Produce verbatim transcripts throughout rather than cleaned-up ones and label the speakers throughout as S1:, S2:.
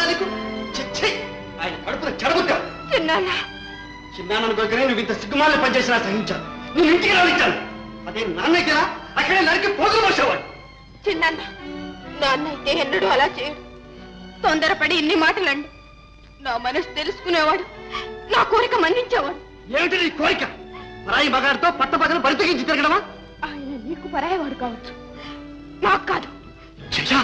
S1: సిగ్గులేదా నీకు? చిచ్చి, ఆయన కడుపున చెడబుద్దా.
S2: చిన్నాన్న
S1: చిన్నాన్న దగ్గరే నువ్వు ఇంత సిగ్గుమాలని పనిచేసినా సహించాను. నేను ఇంటికి రానిచ్చాను. అదే నాన్నకి అక్కడే నరికి పోగులు పోసేవాడు.
S2: చిన్నాన్న నాన్న అయితే ఎన్నడూ అలా చేయడు. తొందరపడి ఇన్ని మాటలండి. నా మనసు తెలుసుకునేవాడు, నా కోరిక మన్నించేవాడు.
S1: ఏమిటి నీ కోరిక? పరాయి మగాడితో పట్ట పగలు బరితెగించి తిరగడమా?
S2: ఆయన నీకు పరాయవాడు కావచ్చు, నాకు కాదు.
S1: జయ,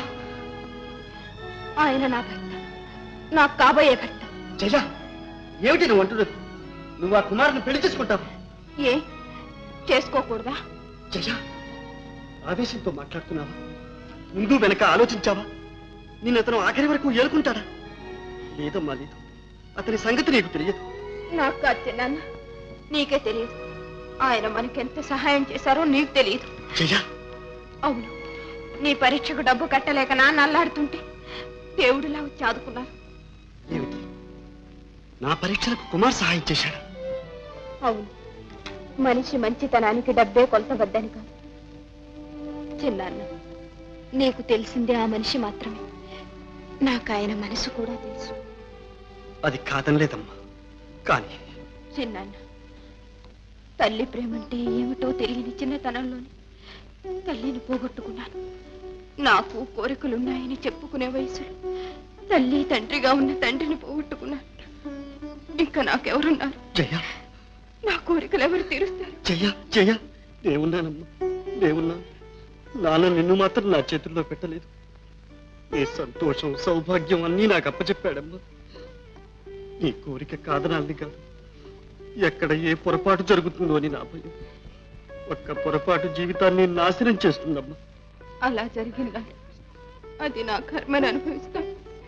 S2: ఆయన నా భర్త, నాకు కాబోయే భర్త.
S1: జయ, ఏమిటి నువ్వు అంటున్నది? నువ్వు ఆ కుమారుని పెళ్లి చేసుకుంటావు?
S2: ఏ చేసుకోకూడదా?
S1: జయ, ఆవేశంతో మాట్లాడుతున్నావా? ముందు వెనక ఆలోచించావా? నిన్ను అతను ఆఖరి వరకు ఏలుకుంటాడా? లేదమ్మా, లేదు. అతని సంగతి నీకు తెలియదు.
S2: నాకు కాదు చిన్నాన్న, నీకే తెలియదు. ఆయన మనకెంత సహాయం చేశారో నీకు తెలియదు.
S1: జయ,
S2: అవును, నీ పరీక్షకు డబ్బు కట్టలేక నాన్న అల్లాడుతుంటే దేవుడిలా వచ్చి ఆదుకున్నారు.
S1: ఏమిటి, నా పరీక్షలకు కుమార్ సహాయం చేశాడా?
S2: అవును, మనిషి మంచితనానికి డబ్బే కొలతవద్దని కాదు చిన్నాన్న. నీకు తెలిసిందే ఆ మనిషి మాత్రమే. నాకు ఆయన మనసు కూడా తెలుసు.
S1: అది కాదనలేదమ్మా, కానీ
S2: చిన్నాన్న, తల్లి ప్రేమంటే ఏమిటో తెలియని చిన్నతనంలోనే తల్లిని పోగొట్టుకున్నాను. నాకు కోరికలున్నాయని చెప్పుకునే వయసులో తల్లి తండ్రిగా ఉన్న తండ్రిని పోగొట్టుకున్నాను. ఇంకా నాకెవరున్నారు?
S1: జయ,
S2: నా కోరికలు ఎవరు తీరుస్తారు?
S1: జయ, జయ, నేనున్నానమ్మా, నేనున్నాను. నాన్న నిన్ను మాత్రం నా చేతుల్లో పెట్టలేదు. నీ సంతోషం, సౌభాగ్యం అన్నీ నాకు అప్పచెప్పాడమ్మా. నీ కోరిక కాదనాలని కాదు, ఎక్కడ ఏ పొరపాటు జరుగుతుందో అని నా భయం. ఒక్క పొరపాటు జీవితాన్ని నాశనం చేస్తుందమ్మా.
S2: అలా జరిగిందా? అది నా కర్మని అనుభవిస్తా.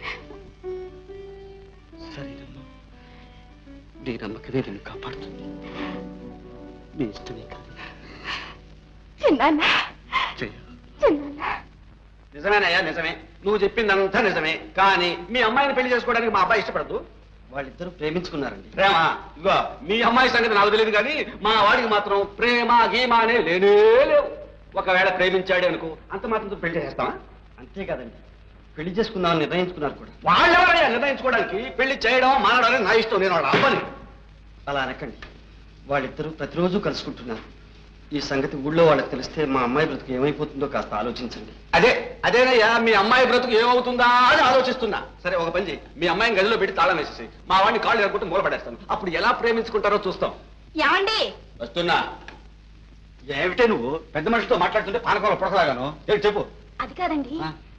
S1: సరేనమ్మా, నీ నమ్మకమే నేను కాపాడుతుంది. నీ ఇష్టమే కాదు.
S2: చిన్నాన్న,
S1: జయ,
S2: చిన్నాన్న,
S3: నిజమేనయ్యా, నిజమే. నువ్వు చెప్పిందంతా నిజమే. కానీ మీ అమ్మాయిని పెళ్లి చేసుకోవడానికి మా అబ్బాయి ఇష్టపడదు.
S1: వాళ్ళిద్దరూ ప్రేమించుకున్నారండి.
S3: ప్రేమ? ఇగో మీ అమ్మాయి సంగతి నాకు తెలియదు, కానీ మా వాడికి మాత్రం ప్రేమ గీమ అనే లేనే లేవు. ఒకవేళ ప్రేమించాడే అనుకో, అంత మాత్రంతో పెళ్లి చేస్తావా?
S1: అంతే కదండి, పెళ్లి చేసుకుందామని నిర్ణయించుకున్నారు కూడా.
S3: వాళ్ళెవరయ్యా నిర్ణయించుకోవడానికి? పెళ్లి చేయడం మానడం నా ఇష్టం, నేను వాళ్ళ అవ్వని.
S1: అలా అనకండి. వాళ్ళిద్దరూ ప్రతిరోజు కలుసుకుంటున్నారు. ఈ సంగతి ఊళ్ళో వాళ్ళకి తెలిస్తే మా అమ్మాయి బ్రతుకు ఏమైపోతుందో కాస్త ఆలోచించండి.
S3: అదే అదేనయ్యా, మీ అమ్మాయి బ్రతుకు ఏమవుతుందా అని ఆలోచిస్తున్నా. సరే, ఒక పని చేయి, మీ అమ్మాయిని గదిలో పెట్టి తాళం వేసేసి మా వాడిని కాళ్ళు ఎరగొట్టి మూలపడేస్తాను. అప్పుడు ఎలా ప్రేమించుకుంటారో చూస్తాం.
S2: ఏమండి?
S3: వస్తున్నా. ఏమిటే నువ్వు పెద్ద మనిషితో మాట్లాడుతుంటే పానకంలో పొడకలాగాను? ఏంటి చెప్పు.
S2: అది కాదండి,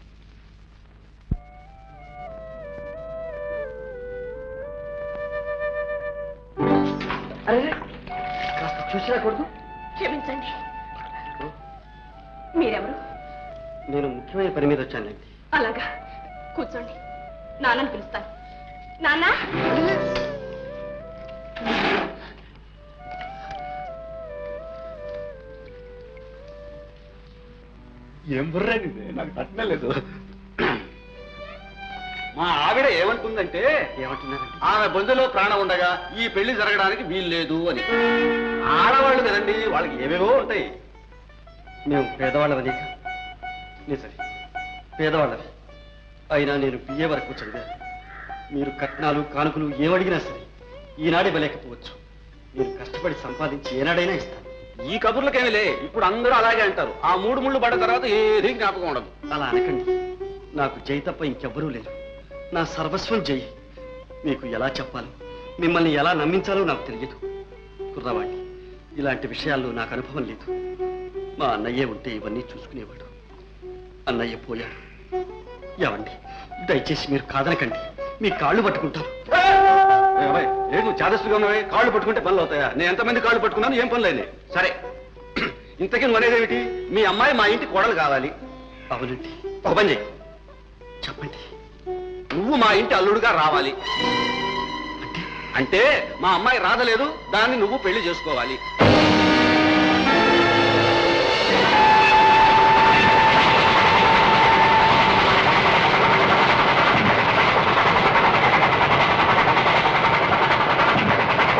S1: అరే, కాస్త చూసి రాకూడదు?
S2: క్షమించండి. మీరెవరు?
S1: నేను ముఖ్యమైన పని మీద వచ్చానండి.
S2: అలాగా, కూర్చోండి. నాన్నని పిలుస్తాను. నాన్న,
S3: ఏం బుర్రండి, నాకు తట్టలేదు. మా ఆవిడ ఏమంటుందంటే,
S1: ఏమంటున్నారండి?
S3: ఆమె బొందులో ప్రాణం ఉండగా ఈ పెళ్లి జరగడానికి వీలు లేదు అని. ఆడవాళ్ళు కదండి, వాళ్ళకి ఏవేవో ఉంటాయి.
S1: మేము పేదవాళ్ళవని. నిజమే, పేదవాళ్ళవి. అయినా నేను బిఏ వరకు చదివాను. మీరు కట్నాలు కానుకలు ఏమడిగినా సరే ఈనాడే ఇవ్వలేకపోవచ్చు. మీరు కష్టపడి సంపాదించి ఏనాడైనా ఇస్తాను.
S3: ఈ కబుర్లకేమిలే, ఇప్పుడు అందరూ అలాగే అంటారు. ఆ మూడు ముళ్ళు పడ్డ తర్వాత ఏది జ్ఞాపకం ఉండదు.
S1: అలా అనకండి. నాకు జై తప్ప ఇంకెవ్వరూ లేరు. నా సర్వస్వం జై. మీకు ఎలా చెప్పాలో, మిమ్మల్ని ఎలా నమ్మించాలో నాకు తెలియదు. కుర్రవాణ్ణి, ఇలాంటి విషయాల్లో నాకు అనుభవం లేదు. మా అన్నయ్యే ఉంటే ఇవన్నీ చూసుకునేవాడు. అన్నయ్య పోయాడు. ఏమండి, దయచేసి మీరు కాదనకండి. మీ కాళ్ళు పట్టుకుంటారు.
S3: ఏడు చాదస్తుగా ఉన్నవే, కాళ్ళు పట్టుకుంటే పనులు అవుతాయా? నేను ఎంతమంది కాళ్ళు పట్టుకున్నాను, ఏం పనులు అయినాయి? సరే, ఇంతకీ నువ్వు అనేది ఏమిటి? మీ అమ్మాయి మా ఇంటి కోడలు కావాలి.
S1: అవునండి.
S3: ఒక పని చెయ్యి,
S1: చెప్పండి.
S3: నువ్వు మా ఇంటి అల్లుడుగా రావాలి. అంటే మా అమ్మాయి రాదలేదు, దాన్ని నువ్వు పెళ్లి చేసుకోవాలి.